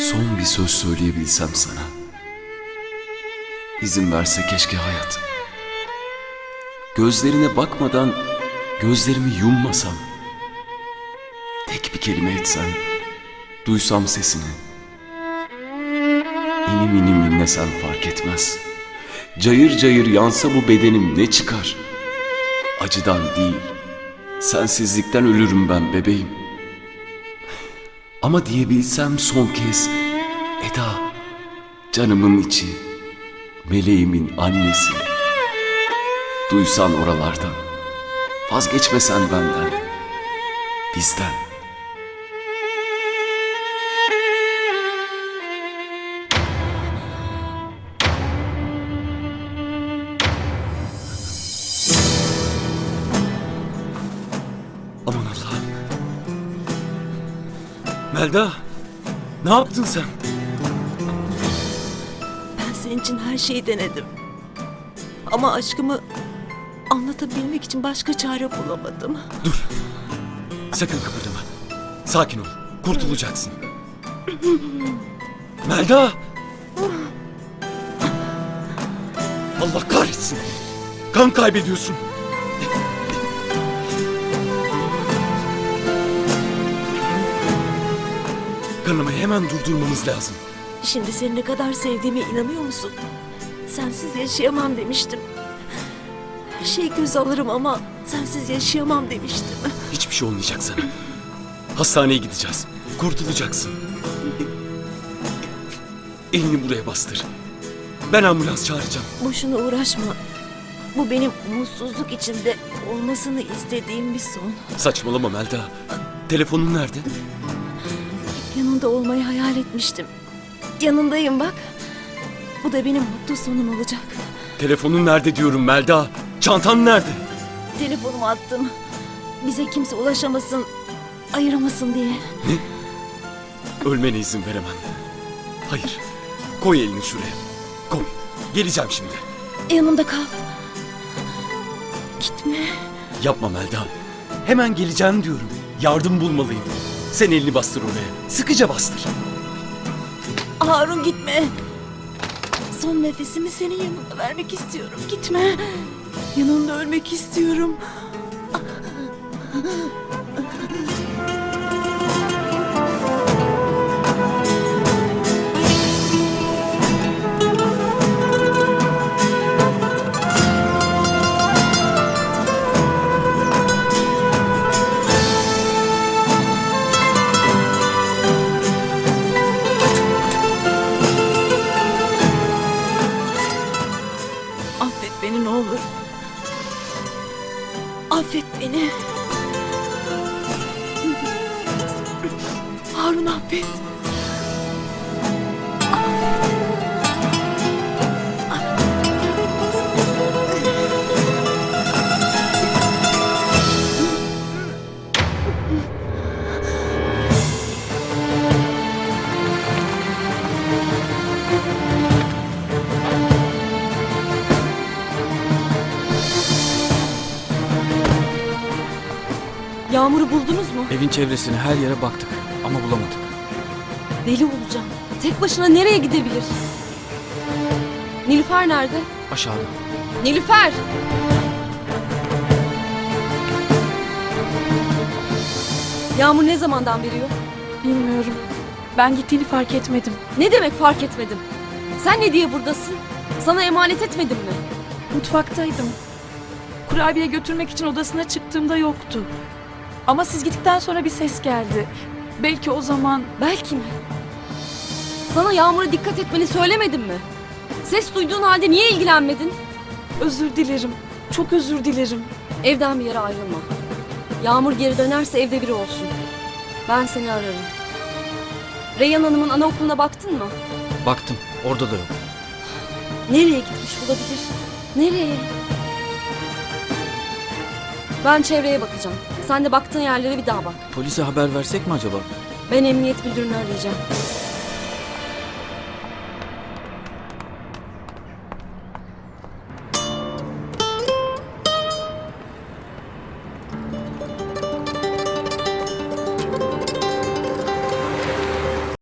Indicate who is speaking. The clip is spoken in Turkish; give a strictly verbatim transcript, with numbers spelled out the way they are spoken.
Speaker 1: Son bir söz söyleyebilsem sana. İzin verse keşke hayat. Gözlerine bakmadan gözlerimi yummasam. Tek bir kelime etsen, duysam sesini. İnim inim inlesem fark etmez. Cayır cayır yansa bu bedenim ne çıkar? Acıdan değil, sensizlikten ölürüm ben bebeğim. Ama diyebilsem son kez, Eda, canımın içi, meleğimin annesi. Duysan oralardan, vazgeçmesen benden, bizden. Aman Allah'ım. Melda, ne yaptın sen?
Speaker 2: Ben senin için her şeyi denedim. Ama aşkımı anlatabilmek için başka çare bulamadım.
Speaker 1: Dur. Sakın kıpırdama. Sakin ol. Kurtulacaksın. Melda! Allah kahretsin. Kan kaybediyorsun. Kanamayı hemen durdurmamız lazım.
Speaker 2: Şimdi seni ne kadar sevdiğime inanıyor musun? Sensiz yaşayamam demiştim. Her şeyi göz alırım ama sensiz yaşayamam demiştim.
Speaker 1: Hiçbir şey olmayacak sana. Hastaneye gideceğiz. Kurtulacaksın. Elini buraya bastır. Ben ambulans çağıracağım.
Speaker 2: Boşuna uğraşma. Bu benim umutsuzluk içinde olmasını istediğim bir son.
Speaker 1: Saçmalama Melda. Telefonun nerede?
Speaker 2: Yanında olmayı hayal etmiştim. Yanındayım bak. Bu da benim mutlu sonum olacak.
Speaker 1: Telefonun nerede diyorum Melda. Çantan nerede?
Speaker 2: Telefonumu attım. Bize kimse ulaşamasın, ayıramasın diye.
Speaker 1: Ne? Ölmene izin veremem. Hayır. Koy elini şuraya. Koy. Geleceğim şimdi.
Speaker 2: Yanımda kal. Gitme.
Speaker 1: Yapma Melda. Hemen geleceğim diyorum. Yardım bulmalıyım. Sen elini bastır oraya. Sıkıca bastır.
Speaker 2: Harun gitme. Son nefesimi senin yanında vermek istiyorum. Gitme. Yanında ölmek istiyorum. Affet beni ne olur. Affet beni. Harun affet. Yağmur'u buldunuz mu?
Speaker 3: Evin çevresine her yere baktık ama bulamadık.
Speaker 2: Deli olacağım. Tek başına nereye gidebilir? Nilüfer nerede?
Speaker 3: Aşağıda.
Speaker 2: Nilüfer! Yağmur ne zamandan beri yok?
Speaker 4: Bilmiyorum. Ben gittiğini fark etmedim.
Speaker 2: Ne demek fark etmedim? Sen ne diye buradasın? Sana emanet etmedim mi?
Speaker 4: Mutfaktaydım. Kurabiye götürmek için odasına çıktığımda yoktu. Ama siz gittikten sonra bir ses geldi. Belki o zaman...
Speaker 2: Belki mi? Sana Yağmur'a dikkat etmeni söylemedim mi? Ses duyduğun halde niye ilgilenmedin?
Speaker 4: Özür dilerim. Çok özür dilerim.
Speaker 2: Evden bir yere ayrılma. Yağmur geri dönerse evde biri olsun. Ben seni ararım. Reyhan Hanım'ın anaokuluna baktın mı?
Speaker 3: Baktım. Orada da yok.
Speaker 2: Nereye gitmiş olabilir? Nereye? Ben çevreye bakacağım. Sen de baktığın yerlere bir daha bak.
Speaker 3: Polise haber versek mi acaba?
Speaker 2: Ben emniyet müdürünü arayacağım.